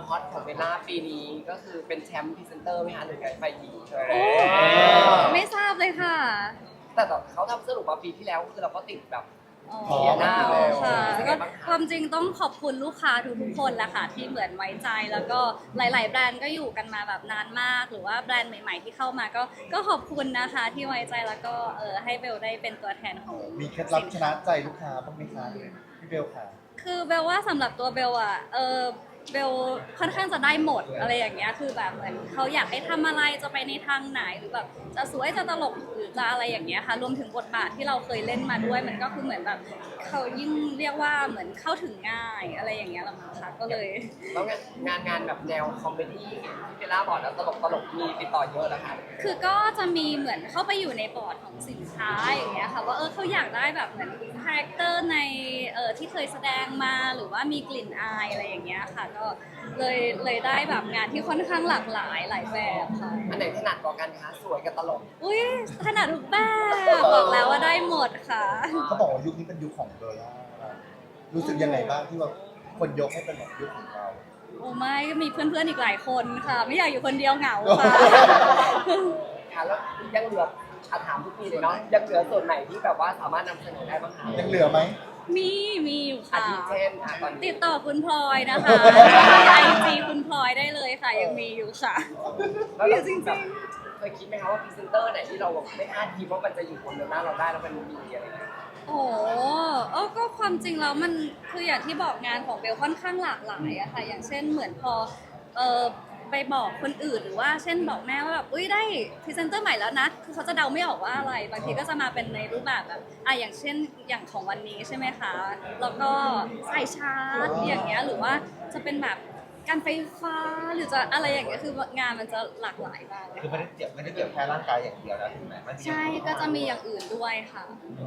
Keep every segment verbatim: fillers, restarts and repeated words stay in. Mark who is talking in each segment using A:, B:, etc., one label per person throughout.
A: ฮอตของเบลล่าปีนี้ก็คือเป็นแชมป์พรีเซนเตอร์ไหมคะหรือไงไฟหญิง
B: โอ้ไม่ทราบเลยค่ะ
A: แต่ต่อเขาทำสรุปมาปีที่แล้วคือเราก็ติดแบบ
B: อ๋อ
A: เสียหน้าเลย
B: ค่ะ
A: เป็นไง
B: ก็
A: บ้างคะ
B: ความจริงต้องขอบคุณลูกค้าทุกๆคนแหละค่ะที่เหมือนไว้ใจแล้วก็หลาย ๆ แบรนด์ก็อยู่กันมาแบบนานมาก หรือว่าแบรนด์ใหม่ ๆ ที่เข้ามาก็ก็ขอบคุณนะคะที่ไว้ใจแล้วก็เออให้เบลได้เป็นตัวแทนของ
C: มีเคล็ดลับชนะใจลูกค้าบ้างไหมคะพี่เบลค่ะ
B: คือเบลว่าสำหรับตัวเบลอะเออเบลค่อนข้างจะได้หมดอะไรอย่างเงี้ยคือแบบเหมือนเขาอยากให้ทำอะไรจะไปในทางไหนหรือแบบจะสวยจะตลกหรือจะอะไรอย่างเงี้ยค่ะรวมถึงบทบาทที่เราเคยเล่นมาด้วยมันก็คือเหมือนแบบเขายิ่งเรียกว่าเหมือนเข้าถึงง่ายอะไรอย่างเงี้ยละมั้งคะก็เลย
A: แล้วงานงานแบบแนวคอมเมดี้ที่เบลล่าบอกแล้วตลกตลกมีติดต่อเยอะแล้วค่ะ
B: คือก็จะมีเหมือนเข้าไปอยู่ในบอร์ดของสินค้าอย่างเงี้ยค่ะว่าเออเขาอยากได้แบบเหมือนคาแรคเตอร์ในเออที่เคยแสดงมาหรือว่ามีกลิ่นอายอะไรอย่างเงี้ยค่ะก็เลยเลยได้แบบงานที่ค่อนข้างหลากหลายหลายแบบค่ะ
A: อันไหนถนัดกว่ากันคะสวยกับตลก
B: อุ้ยถนัดทุกแบบบอกแล้วว่าได้หมดค่ะ
C: เขาบอกว่ายุคนี้เป็นยุคของเบลล่ารู้สึกยังไงบ้างที่ว่าคนยกให้เป็นแบบยุคของเรา
B: โอ้ไม่ก็มีเพื่อนๆอีกหลายคนค่ะ ไม่อยากอยู่คนเดียวเหงาค่ะ
A: ค่ะแล้วยังเหลืออาถามทุกปีเลยเนาะยังเหลือส่วนไหนที่แบบว่าสามารถนำเสนอได้บ้างคะ
C: ยังเหลือไหม
B: มีมีอยู่
A: อา
B: ค่ะ
A: ทิเช่นอ่ะตอน
B: ติ
A: นี้
B: ดต่อคุณพลอยนะคะไอจีคุณพลอยได้เลยค่ะ ยังมีอยู่ค่ะ
A: แล้ว
B: อ
A: เรา
B: ยู่จริง
A: แบบเคยคิดไหมคะว่าพรีเซนเตอร์ไหนที่เราแบบไม่คาดคิดว่ามันจะอยู่บนเรือหน้าเราได้แล้วมันมีอะไรอย่างเงี้ย
B: ๆ โอ้โหเออก็ความจริงแล้วมันคืออย่างที่บอกงานของเบลค่อนข้างหลากหลายอะค่ะ อย่างเช่นเหมือนพอเออไปบอกคนอื่นหรือว่าเช่นบอกแม่ว่าแบบอุ้ยได้พรีเซนเตอร์ใหม่แล้วนะคือเขาจะเดาไม่ออกว่าอะไรบางทีก็จะมาเป็นในรูปแบบแบบอ่ะอย่างเช่นอย่างของวันนี้ใช่ไหมคะแล้วก็สายชาร์จอย่างเงี้ยหรือว่าจะเป็นแบบการไฟฟ้าหรือจะอะไรอย่างเงี้ยคืองานมันจะหลากหลายมากเลย
C: คือไม่ได้เกี่ยวไม่ได้เกี่ยวแค่ร่างกายอย่างเดียวนะถูกไหมมันมี
B: ใช่ก็จะมีอย่างอื่นด้วยค่ะ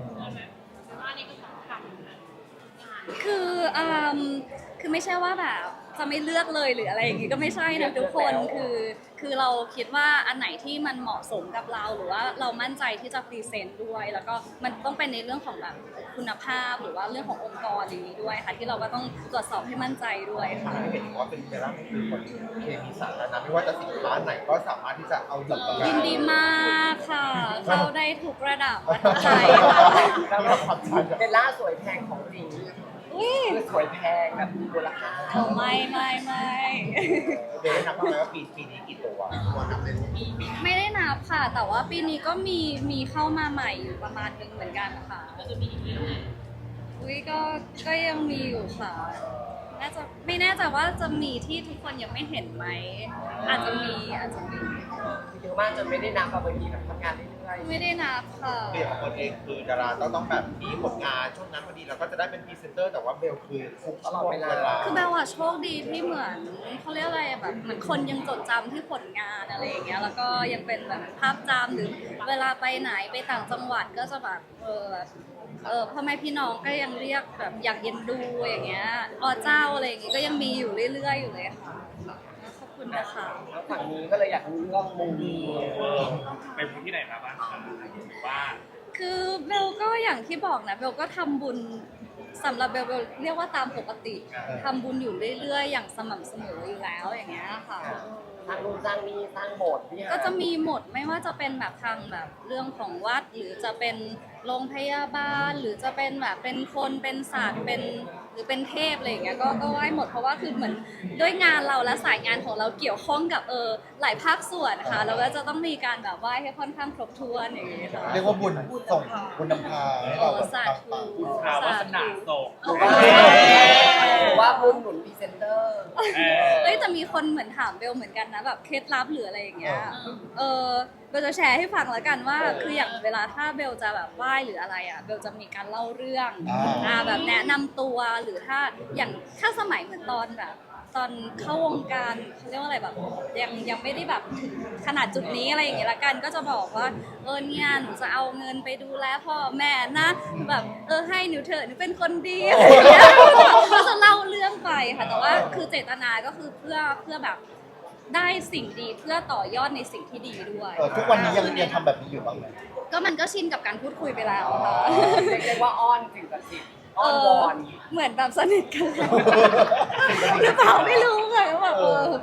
B: คืออืมคือไม่ใช่ว่าแบบจะไม่เลือกเลยหรืออะไรอย่างงี้ก็ไม่ใช่นะทุกคนคือคือเราคิดว่าอันไหนที่มันเหมาะสมกับเราหรือว่าเรามั่นใจที่จะพรีเซนต์ด้วย แล้วก็มันต้องเป็นในเรื่องของแบบคุณภาพหรือว่าเรื่องขององค์กรอย่างนี้ด้วยค่ะที่เราก็ต้องตรวจสอบให้มั่นใจด้วยค่ะ
C: เห็นว่าเป็นเบลล่าเป็นคนเคมีสาธารณะไม่ว่าจะสินค้าไหนก็สามารถที่จะเอาหลักประกัน
B: ยินดีมากค่ะ เข้าได้ทุกระดับประทับใจค่ะ
A: แล้วแบบเบลล่าสวยแพงของจริง
B: อุ้ย
A: คือสวยแพงแบบมีมูลค่า
B: เอาไม่ไม่ไม่
C: เบลนับบ้างไหมว่าปีปีนี้กี่ตัวตัวนับเป็น
B: ไม่ได้นับค่ะ แต่ว่าปีนี้ก็มีมีเข้ามาใหม่อยู่ประมาณนึงเหมือนกันค่ะก็จะมีอุ้ยก็ก็ยังมีอยู่ค่ะน่าจะไม่แน่ใจว่าจะมีที่ทุกคนยังไม่เห็นไหมอาจจะมีอาจจะมี
A: เยอะมากจนไม่ได้นับแบบบางทีแบบทำงานเรื่อย
B: ไม่ได้นับค่ะ
C: เบลของคนเองคือดาราต้องต้องแบบมีผลงานช่วงนั้นพอดีเราก็จะได้เป็นพรีเซนเตอร์แต่ว่าเบลคือทุกช่วงเวลา
B: คือเบลอะโชคดีที่เหมือนเขาเรียกอะไรแบบเหมือนคนยังจดจำที่ผลงานอะไรอย่างเงี้ยแล้วก็ยังเป็นแบบภาพจำหรือเวลาไปไหนไปต่างจังหวัดก็จะแบบเออแบบเออพ่อแม่พี่น้องก็ยังเรียกแบบอยากเย็นดูอย่างเงี้ยอ๋อเจ้าอะไรอย่างงี้ก็ยังมีอยู่เรื่อยๆอยู่เลยค่ะขอบคุณนะคะ
A: ๆแล้วฝั่งนี้ก็เลยอยากรู้เรื่องมุมดี
D: ไปมูที่ไหนมาบ้างครับหรือว่า
B: คือเบลก็อย่างที่บอกนะเบลก็ทำบุญสำหรับเบลเบลเรียกว่าตามปกติทำบุญอยู่เรื่อยๆ อย่างสม่ำเสมออยู่แล้วอย่างเงี้ยค่ะ
A: สร้างรูปสร้างนี่สร้างโบสถ์ที่
B: ก็จะมีหมดไม่ว่าจะเป็นแบบทางแบบเรื่องของวัด หรือจะเป็นโรงพยาบาล หรือจะเป็นแบบเป็นคนเป็นศาสตร์เป็นหรือเป็นเทพอะไรอย่างเงี้ยก็ก็ไหว้หมดเพราะว่าคือเหมือนด้วยงานเราและสายงานของเราเกี่ยวข้องกับเออหลายภาคส่วนค่ะเราก็จะต้องมีการแบบไหว้ให้ค่อนข้างครบถ้วนอย่างเงี้ยค่ะ
C: เรียกว่าบุญส่งบุญนำพาให้เราแบบ
B: สา
C: ปัง
B: ธุ
C: ปัง
D: ข่าววาสนาโศก
A: หรือว่าพุ่งหนุนพรีเซนเตอร์
D: เออ
B: เอ้ยแต่มีคนเหมือนถามเบลเหมือนกันนะแบบเคล็ดลับหรืออะไรอย่างเงี้ย เออเบลจะแชร์ให้ฟังแล้วกันว่าคืออย่างเวลาถ้าเบลจะแบบไหว้หรืออะไรอ่ะเบลจะมีการเล่าเรื่องอ่าแบบแนะนำตัวหรือถ้าอย่างถ้าสมัยเหมือนตอนแบบตอนเข้าวงการเขาเรียกว่าอะไรแบบยังยังไม่ได้แบบถึงขนาดจุดนี้อะไรอย่างเงี้ยละกันก็จะบอกว่าเออเนี่ยหนูจะเอาเงินไปดูแลพ่อแม่นะแบบเออให้หนูเถอะหนูเป็นคนดีอะไรอย่างเงี้ยก็จะเล่าเรื่องไปค่ะแต่ว่าคือเจตนาก็คือเพื่อเพื่อแบบได้สิ่งดีเพื่อต่อยอดในสิ่งที่ดีด้วย
C: เออทุกวันนี้ยังยังทำแบบนี้อยู่บ้างไหม
B: ก็มันก็ชินกับการพูดคุยไปแล้วค่ะ
A: เรียกว่าอ้อนสิ่งศักดิ์สิทธิ์อ้อนวอน
B: เหมือนแบบสนิทกันแล้วหรือเปล่าไม่รู้ค่ะก็แบบเออ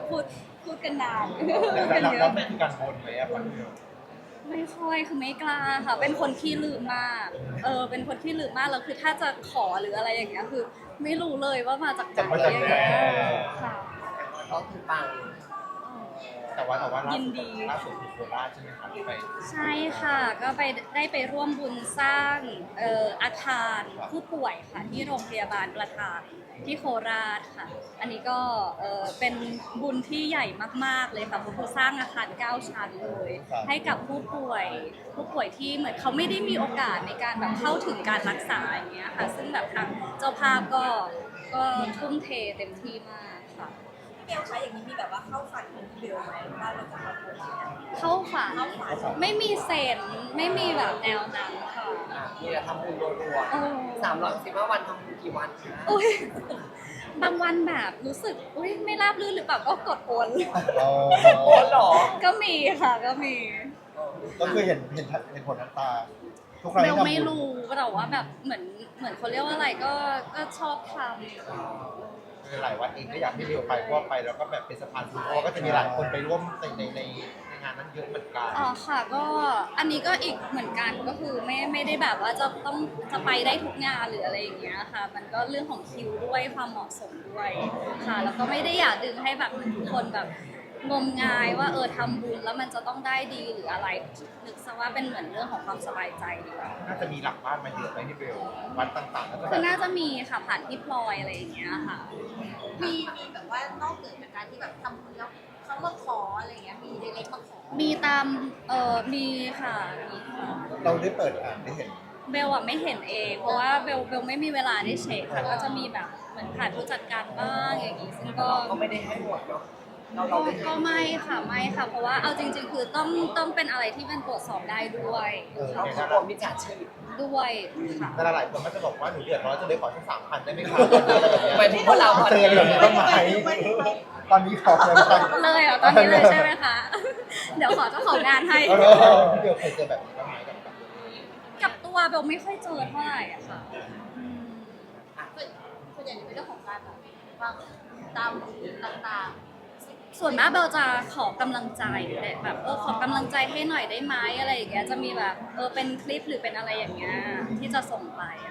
B: พูดพูดกันนาน
C: แล้ว
B: พูดกันเย
C: แล้ว
B: อะ
C: มันคือการบนไหมอะปันเดียว
B: ไม่ค่อยคือไม่กล้าค่ะ เป็นคนขี้ลืมมากเออเป็นคนขี้ลืมมากแล้วคือถ้าจะขอหรืออะไรอย่างเงี้ยคือ ไม่รู้เลยว่ามาจากไหน
C: มาจาก
B: อย่าง
C: ไหน
B: เงี้ยค่ะ
A: ก็คือปัง
C: แต่ว่าแต่ว่าล่า
B: ยิน
C: สุด
B: ดี
C: ล่าสุดคือโคราชใช่ไหมครับที่ไป
B: ใช่ค่ะ ก็ไปได้ไปร่วมบุญสร้างเอ่ออาคารผู้ป่วยค่ะ ที่โรงพยาบาลประทานที่โคราชค่ะ อันนี้ก็เอ่อเป็นบุญที่ใหญ่มากๆเลยค่ะเพราะคือสร้างอาคารเก้าชั้นเลย ให้กับผู้ป่วยผู้ป่วยที่เหมือนเขาไม่ได้มีโอกาสในการแบบเข้าถึงการรักษาอย่างเงี้ยค่ะ ซึ่งแบบทางเจ้าภาพก็ก็ทุ่มเทเต็มที่มากค่ะ
E: เบลคะอย่างนี้มีแบบว่าเข้าฝันของเบลไหมว่าเราจะมาบวชเนี่ย
B: เข้าฝันไม่มีเซนไม่มีแบบแนวนั้นค่ะ
A: อ่ะมีแต่ทำบุญรัว
B: โอ้
A: ๆสามร้อยสิบห้าวันทำบุญกี่วันคะ
B: อุ้ยบางวันแบบรู้สึกอุ้ยไม่ราบรื่นหรือเปล่าก็กดโอน
C: อ๋อ
A: โอ้หรอ
B: ก็มีค่ะก็มี
C: ก็คือเห็นเห็นเห็นผลน้ำตา ทุกครั้ง
B: เบ
C: ที่
B: ล
C: ทำบุญ
B: ไม่รู้แต่ว่าแบบเหมือนเหมือนเขาเรียกว่าอะไรก็ก็ชอบท
C: คือหลายวัดเองก็อยากให้เบลไปเพราะว่าไปแล้วก็แบบเป็นสะพานบุญเพราะว่าก็จะมีหลายคนไปร่วมในในในในงานนั้นเยอะเหมือนกัน
B: ำอ๋อค่ะก็อันนี้ก็อีกเหมือนกันก็คือไม่ไม่ได้แบบว่าจะต้องจะไปได้ทุกงานหรืออะไรอย่างเงี้ยค่ะ มันก็เรื่องของคิวด้วยความเหมาะสมด้วยค่ะ แล้วก็ไม่ได้อยากดึงให้แบบทุกคนแบบงมงายว่าเออทำบุญแล้วมันจะต้องได้ดีหรืออะไรนึกซะว่าเป็นเหมือนเรื่องของความสบายใจดีกว่า
C: น่าจะมีหลักบ้านมาเยอะไหมที่เบลวัดต่างๆแล้วก็แบ
B: คือบ น่าจะมีค่ะผ่านพี่พลอยอะไรอย่างเงี้ยค่ะ
E: มีมีแบบว่านอกเหนือจากการที่แบบทำบุญแล้วเขามาขออะไรอย่างเงี้ยมีเล็กๆมาขอ
B: มีตามเอ่อมีค่ะมีค่ะ
C: เราได้เปิดอ่านได้เห็น
B: เบลอะไม่เห็นเองเพราะว่าเบลเบลไม่มีเวลาได้เช็คค่ะก็จะมีแบบเหมือนผ่านผู้จัดการบ้างอย่างงี้ซึ่งก็
A: ก็ไม่ได้ให้หมดเนาะเรา
B: ก็
A: เราไม่
B: ก็ไม่ค่ะไม่ค่ะ เพราะว่าเอาจริง ๆ คือต้องต้องเป็นอะไรที่มันตรวจสอบได้ด้วย
C: เออ
A: เรา
C: เนี่ย
A: เขา
C: นะ
A: กลัวมิจฉาชีพ
B: ด้วยค่ะ
C: แต่หลายคนก็จะบอกว่าหนูเดือดร้อนจะเลยขอสักสามพันได้ไหมครับอะไรแบบเนี้ย
A: หมายถึงว่าเรา
C: เจออะไรแบบนี้บ้างไหมตอนนี้ขอเลยไหม
B: เลยเหรอตอนนี้เลยใช่ไหมคะ เดี๋ยวขอเจ้าของงานให้
C: เออพี่เบลเคยเจอแบบนี้บ้างไหมกับ
B: กับตัวเบลไม่ค่อยเจอเท่าไหร่อะค่ะอืม
E: ส่วนส่วนใหญ่จะเป็นเรื่องของการแบบว่าตามต่าง
B: ส่วนมากเบลจะขอกำลังใจแต่แบบเออขอกำลังใจให้หน่อยได้ไหมอะไรอย่างเงี้ยจะมีแบบเออเป็นคลิปหรือเป็นอะไรอย่างเงี้ยที่จะส่งไปอะ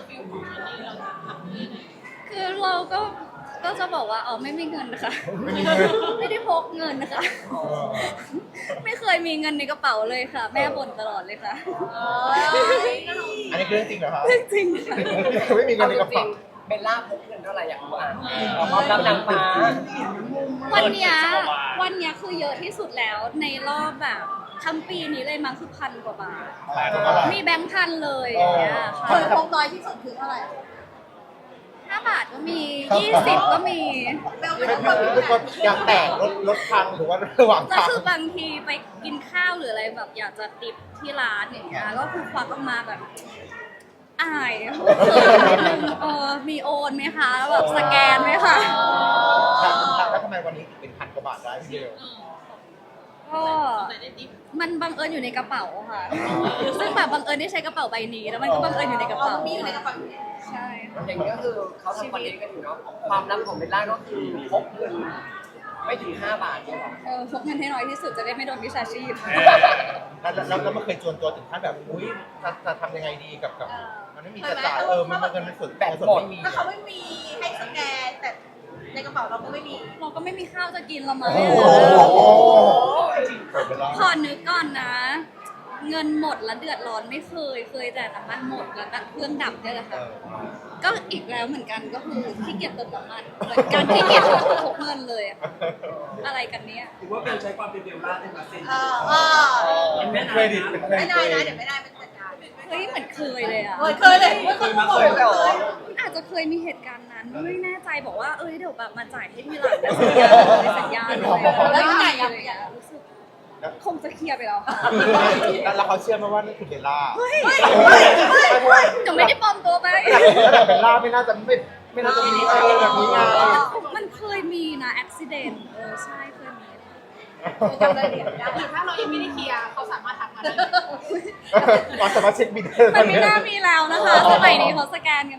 B: คือเราก็ก็จะบอกว่าอ๋อไม่มีเงินนะคะ
C: ไม่มีเงิน
B: ไม่ได้พกเงินนะคะ ไม่เคยมีเงินในกระเป๋าเลยค่ะ แม่บ่นตลอดเลยค่ะ
E: ๆเออ
C: อันนี้คือเรื่องจริงเหรอครับ
B: จริงค่ะ
C: ไม่มีเงิ
A: เอา
C: นใน
A: จ
C: กระ
A: ริ
C: เป๋าง
A: ๆเบลล่าพกเงินเท่าไหร่อยากรู้อ่ะเอาความลับนางฟ้า
B: วันเนี้ยวันเนี้ยคือเยอะที่สุดแล้วในรอบแบบทั้งปีนี้เลยมั้งคือพันกว่าบาท
C: แปดเท่าไหร่
B: มีแบงค์พันเลยอย่างเงี้ย
E: เค
B: ค่ะ
E: ยพกน้อยที่สุดคือเท่าไหร่
B: ห้าบาทก็มียี่สิบก็มี
E: เบลเป็
C: ไม่
E: น
C: ไม่
E: คน
C: ไม่ไม่ยางแตกรถรถพังหรือว่าระหว่าง
B: แล้ว
C: ทาง
B: คือบางทีไปกินข้าวหรืออะไรแบบอยากจะติปที่ร้านอย่างเงี้ยก็คือควักออกมาแบบอายเขินนิดนึงเออมีโอนไหมคะแบบสแกนไหมคะ
C: แล้วทำไมวันนี้ถึงเป็นพันกว่าบาทได้พี่เบล
B: ก็มันบังเอิญอยู่ในกระเป๋าค่ะ ซึ่งแบบบังเอิญได้ใช้กระเป๋าใบนี้แล้วมันก็บังเอิญอยู่ในกระ
E: เอา
B: เป๋า
E: มีอยู่ในกระเป๋าอยู่แล้ว
B: ใช่ค่ะ
A: อย่างนี้ก็คือเขาทำคอนเทนต์กันอยู่เนาะความลับของเบลล่าก็คือพกเงินไม่ถึงห้าบาทเนี่ยหรอ
B: เออพกเงินให้น้อยที่สุดจะได้ไม่โดนวิชาชีพ
C: แล้วแล้วแล้วมันเคยจวนตัวถึงขั้นแบบอุ้ยจะจะทำยังไงดีกับกับมันไม่มีจะจ่ายเออมันเงินมันสุดแบบสุดไม่มี
E: ถ้าเขาไม่มีให้สแกนแต่ในกระเป๋าเราก็ไม่มี
B: เราก็ไม่มีข้าวจะกินเรามา
C: โอ้
B: ไม่
C: โห
B: เหลือ
C: เปิดไปแล้ว
B: พอนึกก่อนนะ เงินหมดแล้วเดือดร้อนไม่เคย เคยแต่น้ำมันหมดแล้วก็เครื่องดับเนี่ยแหละ
C: เอ
B: ค่ะ
C: อ
B: ก็อีกแล้วเหมือนกันก็คือขี้เกียจเติมน้ำมันเหมือนกันขี้เกียจพกเงินเลยอะอะไรกันเนี้ย
F: ถือว่าเบลใช้ความเป็นเบลล่าได้มาเซ็น
E: เออเออ
F: เป็นแม่
C: เครดิตเป็นเคร
E: ไม่
C: ดิต
E: ได้
C: ตัวเอง
E: นะเดี๋ยวไม่ได้เป็นจัดการ
B: เฮ้ยเหมือนเคยเลยอะ
E: เคยเคยเลยเคยมาเคยเลย
B: อาจจะเคยมีเหตุการณ์นั้นไม่แน่ใจบอกว่าเอ้ยเดี๋ยวแบบมาจ่ายให้ทีหลังนะสัญญาเลยสัญญาเลย
E: แล้วยังไง
B: อะ
E: อ่ะ
B: ไรอย่างเงี้ยรู้สึกคงจะเคลียร์ไปแล้วค่ะ
C: แล้วแล้วเขาเชื่อไหมว่านี่คือเบลล่า
B: เฮ้ย
C: ไม่เพราะว่า
B: หนูไม่ได้ปลอมตัวไป
C: แต่เบลล่าไม่น่าจะไม่ไม่น่าจะมีเออแบบนี้ไง
B: มันเคยมีนะอุบิเหตุเออใช่เคยมีค่ะ
E: จำรายละเอียดไม่ได้
G: ถ้าเรายังไม่ได้เคลียร์เขาสามารถทักมาได้
C: เราสามารถเช็คบินได้
B: มันไม่น่ามีแล้วนะคะสมัยนี้เขาสแกนกันได้แล้ว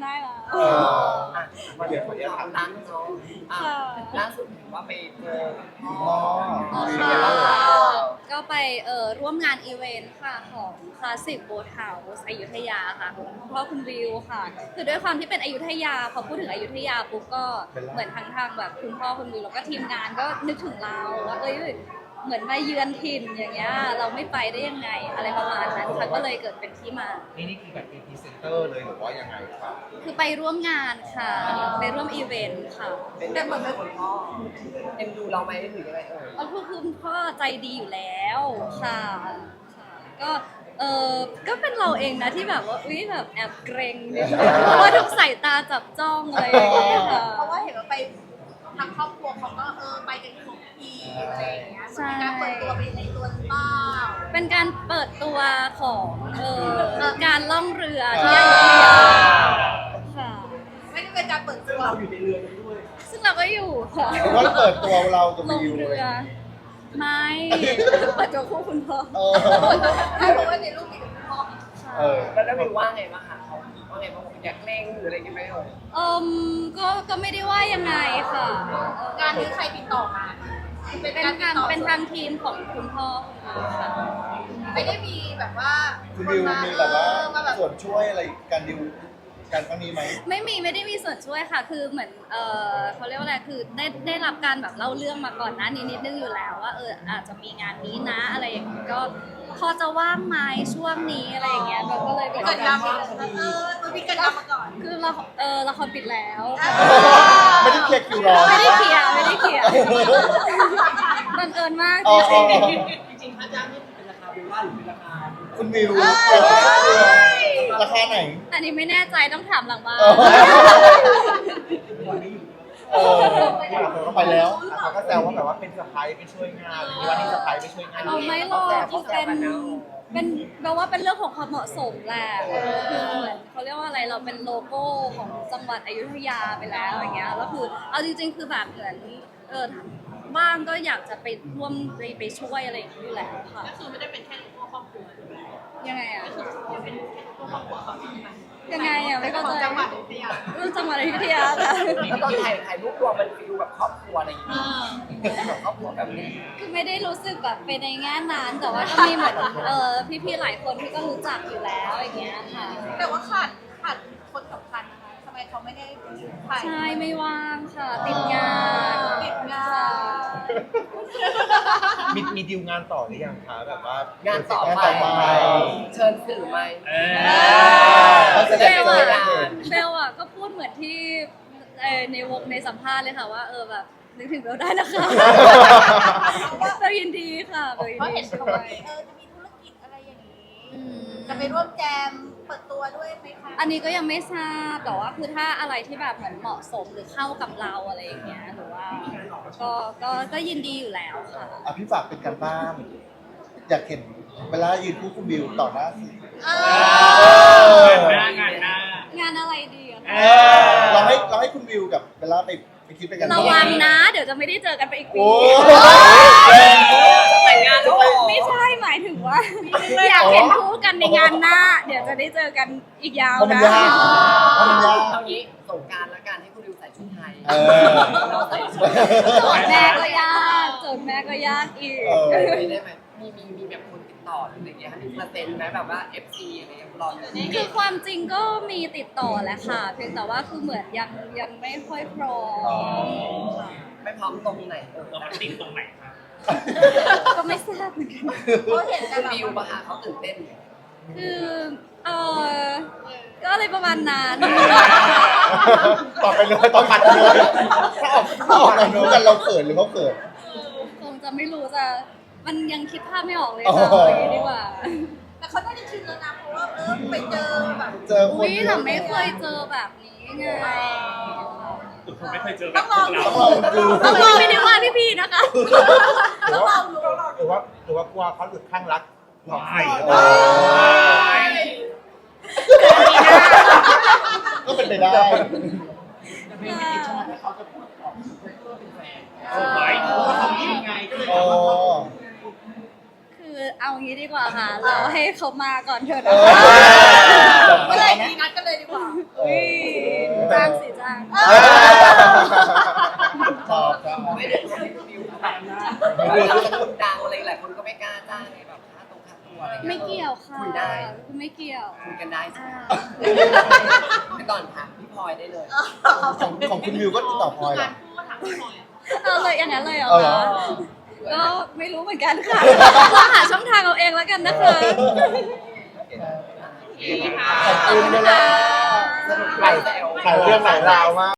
C: เออ
A: อ่ะมาเดี๋ยวขออนุญาตถามร้านน้องอ่ะ
B: ค่ะ
A: ล่าสุดเห็นว่าไปเจอ
C: อ๋อ
B: อ๋อ
A: เป็น
B: ค่ะ
A: ไงบ้างคะ
B: ก็ไปเอ่อร่วมงานอีเวนต์ค่ะของคลาสสิกโบทเฮาส์อยุธยาค่ะของคุณพ่อคุณวิวค่ะ คือด้วยความที่เป็นอยุธยาพอพูดถึงอยุธยาปุ๊บก็เหมือนทางทางแบบคุณพ่อคุณวิวแล้วก็ทีมงานก็นึกถึงเราว่าเอ้ยเหมือนมาเยือนถิ่นอย่างเงี้ยเราไม่ไปได้ยังไงอะไรประมาณนั้นค่ะก็เลยเกิดเป็นที่มา
C: นี่นี่คือแบบเป็นพรีเซนเตอร์เลยหรือว่ายังไงครับ
B: คือไปร่วมงานค่ะ ไปร่วมอีเวนต์ค่ะ
A: เป็นแบบเหมือนคุณพ่อเอ็นดูเราไหมหรือยังไงเอ่ย
B: ก็คือคุณพ่อใจดีอยู่แล้วค่ะค่ะก็เออก็เป็นเราเองนะที่แบบว่าอุ้ยแบบแอบเกรงนิดนึงเพราะว่าทุกสายตาจับจ้องอะไรอย่างเงี้ยค่ะ
E: เพราะว่าเห็นว่าไปทางครอบครัวเขาก็เออไปกันทุกทีอะไรอย่างเงี้ยเหมือนเป็นการเปิดตัวไปในตัวหรือเปล่า
B: เป็นการเปิดตัวของเออการล่องเรือที่อยุธยาค่ะ
E: ไม่ได้เป็นการเปิดตัว
F: เราอยู่ในเรือนั้นด้วย
B: ซึ่งเราก็อยู่ค่ะ
C: หรือว่าเปิดตัวเรากับ
B: ลง
C: วิว
B: เรื
C: เลย
B: อ ไม่เปิดตัวคู่คุณพ่อ
C: เออ
E: ถ้ารู้ว่าในรูปมีแต่คุณพ่อ
C: เออ
A: แล้วแล้ววิวว่าไงบ้างคะเขาว่าไงบ้างบอกอยากเล่งหรืออะไรกันไหมเอ่ย
B: เอืมก็ก็ไม่ได้ว่ายังไงค่ะ
E: งานนี้ใครติดต่อมาเป็น
B: เป็น
E: การติด
B: ทาง
E: ต่อ
B: เป็นทางทีมของคุณพ่อค่ะ
E: ไม่ได้มีแบบว่า
C: คุณวิวมีแบบว่า
E: เออมาแบบ
C: ส่วนช่วยอะไรการดิวการครั้งนี้ไหม
B: ไม่มีไม่ได้มีส่วนช่วยค่ะ คือเหมือนเออเขาเรียกว่าอะไรคือได้ได้รับการแบบเล่าเรื่องมาก่อนหน้านี้นิดนึงอยู่แล้วว่าเอออาจจะมีงานนี้นะอะไรอย่างเงี้ยก็พอจะว่างไหมช่วงนี้อะไรอย่างเงี้ยเราก็เลยแบบ
E: เกิดยามมาเออมันมีกันยามมาก่อน
B: คือเราเออละครปิดแล้ว
C: ไม่ได้เคลียร์คิวรอ
B: ไม่ได้เคลียร์ไม่ได้เคลียร์บังเอิญมาก
C: อ๋อ
B: จริง
F: จริงๆค่าจ้างนี่เป็นราคาเบลล่าหรือเป็นราคา
C: คุณวิวราคาไหน
B: ๆอันนี้ไม่แน่ใจต้องถามหลังบ้าน
C: เออ เออเขาไปแล้วเขาก็แซวว่าแบบว่าเป็นสะพ้ายไปช่วยงานหรือว่านี่สะพ้ายไปช่วยงาน
B: เราไม่หรอกเป็นเป็นแปลว่าเป็นเรื่องของความเหมาะสมแหละเออคือเหมือนเขาเรียกว่าอะไรเราเป็นโลโก้ของจังหวัดอยุธยาไปแล้วอย่างเงี้ยแล้วคือเอาจริงๆคือแบบเหมือนเออบ้างก็อยากจะไปร่วมไปไปช่วยอะไรอย่างนี้อยู่แล้วค่ะ
G: ก็คือไม่ได้เป็นแค่ลูกครอบครัว
B: ยังไงอ่ะ
G: เป็นแค่ลูกครอบครัวเขาใช่ไหม
B: ยังไงอ่ะไม่เข้า
G: ของ
B: ใจ
G: จังหวัดอยุธยา
B: เรื่องจังหวัดอยุธยาค่ะ
A: แล้วตอนถ่ายถ่ายรูปรวมมันฟิลแบบครอบครัวอะไรอย่างเงี้ยแบบครอบครัวแบบนี้
B: คือไม่ได้รู้สึกแบบเป็นในแง่นั้นแต่ว่าก็มีเหมือนเออพี่ๆหลายคนที่ก็รู้จักอยู่แล้วอย่างเงี้ยค่ะ
E: แต่ว่าขาดขาดคนสำคัญนะคะทำไมเขาไม่ได้ถ่าย
B: ใช่ไม่ว่างค่ะ ติดงาน
E: ติดงาน
C: มีมีดิวงานต่อหรือยังคะแบบว่าง
A: านต่อไป
C: งานต่อไป
A: เชิญสื่อไหม
D: เอ
C: เราจะ
B: เบ
C: ได้
B: ล
C: เจอ
B: อะ
C: กัน
B: เบลอะก็พูดเหมือนที่เอ่อในวงในสัมภาษณ์เลยค่ะว่าเออแบบนึกถึงเบลได้นะคะเบลยินดีค่ะเบลยิน
E: เพราะ
B: ดี
E: เห็น
B: ช่
E: เขา
B: ว
E: ว่าย เออจะมีธุรกิจอะไรอย่างนี้
B: อืม
E: จะไปร่วมแจมเปิดตัวด้วยไหมคะ
B: อันนี้ก็ยังไม่ทราบแต่ว่าคือถ้าอะไรที่แบบเหมือนเหมาะสมหรือเข้ากับเราอะไรอย่างเงี้ยหรือว่าก็ก็ก็ยินดีอยู่แล้วค่ะ
C: อ่ะพี่ฝากเป็นการบ้าน อยากเห็นเวลายืนคู่คุณวิวต่อหน้าสื่อ
E: เอ
D: อ
E: อ
D: หน้างานหน้าง
B: านอะไรดีอะ
D: เอ
B: คะ
D: อ
C: เราให้เราให้คุณวิวกับเวลาไปไปคิดไปกัน
B: ระวังนะ เดี๋ยวจะไม่ได้เจอกันไปอีกปี
C: โอ้
A: แต่งงานแล้วเหรอ
B: ไม่ใช่หมายถึงว่า อยากเห็นคู่กันในงานหน้า เดี๋ยวจะได้เจอกันอีกยาว
C: เพราะมัน
B: นะ
C: ยากเพราะมันยาก
A: เอางี้สงกรารละกันให้คุณดิวใส่ชุดไทย
C: เออ
A: เราใส่ชุด
B: โจทย์แม่ก็ยากโจทย์แม่ก็ยากอีก
C: เออ
A: ได้ไหมมีมีมีแบบคนติดต่อหรืออะไรอย่างเงี้ยมีเปอร์เซ็นต์ไหมแบบว่า เอฟ ซี อะไรเงี้ยรออยู่
B: คือความจริงก็มีติดต่อแหละค่ะ เพียงแต่ว่าคือเหมือนยังยังไม่ค่อยพร้อมค่ะ
A: ไม่พร้อมตรงไหนเออ
D: เราติดตรงไหนครับ
B: ก็ไม่ทราบเหมือนกัน
E: เพราะเห็นแต่
A: คุณ
E: แบบ
A: ดิวปะคะเขาตื่นเต้น
B: คือเออก็อะไรประมาณนั้น
C: ต่อไปเลยต้องผัดกันเลยถ้าออกถ้าออกเรารู้กันเราเขินหรือเขาเขิน
B: คงจะไม่รู้จะมันยังคิดภาพไม่ออกเลย
C: อ๋อ
B: ค่ะเอาอย่างนี้ดีกว่า
E: แต่เขาน่าจะชินแล้วนะเพราะว่าเออไปเจอแบบ
C: เจอคน
B: อุ้ย
C: เย
B: แต่
C: อะ
B: ไม่เคยเจอแบบนี้ไง
D: ผมไม่เคยเจอแบ
E: ต้อบ งล
D: พ
E: อ
D: ว
E: ง
D: ก
E: ดู
D: เรา
C: ต้องลองดู
B: ไม่ได้ว่าพี่ๆนะคะ
C: หรือว่าหรือว่าหรือว่ากลัวเขาหลุดข้างรักหลอก
D: ไม่
C: เออก็เป็นไปได้
F: แต่เพลงไม่ติดใช่ไหมเขาจะพูดออกเพื่อเป็นแฟน
D: ไว้
F: เพราะว่าเขายิ่งไงก็เลย
C: อ๋อ
B: คือเอางี้ดีกว่าค่ะ เราให้เขามาก่อนเถอะ
C: เอ
B: นะ
C: อ
E: เมื่อไหร่มีนัดกันเลยดีกว่า
C: เอ
B: อุ้ย
C: อ
B: จ้างสิจ้าง
C: ชอบชอบ
A: ไม่ได้ตัวพี่บิวแบบเราจะคนดังอะไรหลายคนก็ไม่กล้าจ้างไงแบบค่าตรงค่าตัวอะไรเงี้ย
B: ไม่เกี่ยวค่ะ
A: คุยได้
B: คือไม่เกี่ยว
A: คุยกันได้ใช่
B: อ่า
A: ไหมไปก่อนถามพี่พลอยได้เลย
C: ของของคุณวิวก็ติดต่อพลอยเหรอ
G: พูดถามพี่พลอย
B: เอาเลยอย่างนั้นเลยเหรอ
C: เอาเหรอ
B: คะก็ไม่รู้เหมือนกันค่ะลองหาช่องทางเอาเองแล้วกันนะคะ
C: ขอบคุณนะ
A: สนุกหลายแซว
C: หลายเรื่องหลายราวมาก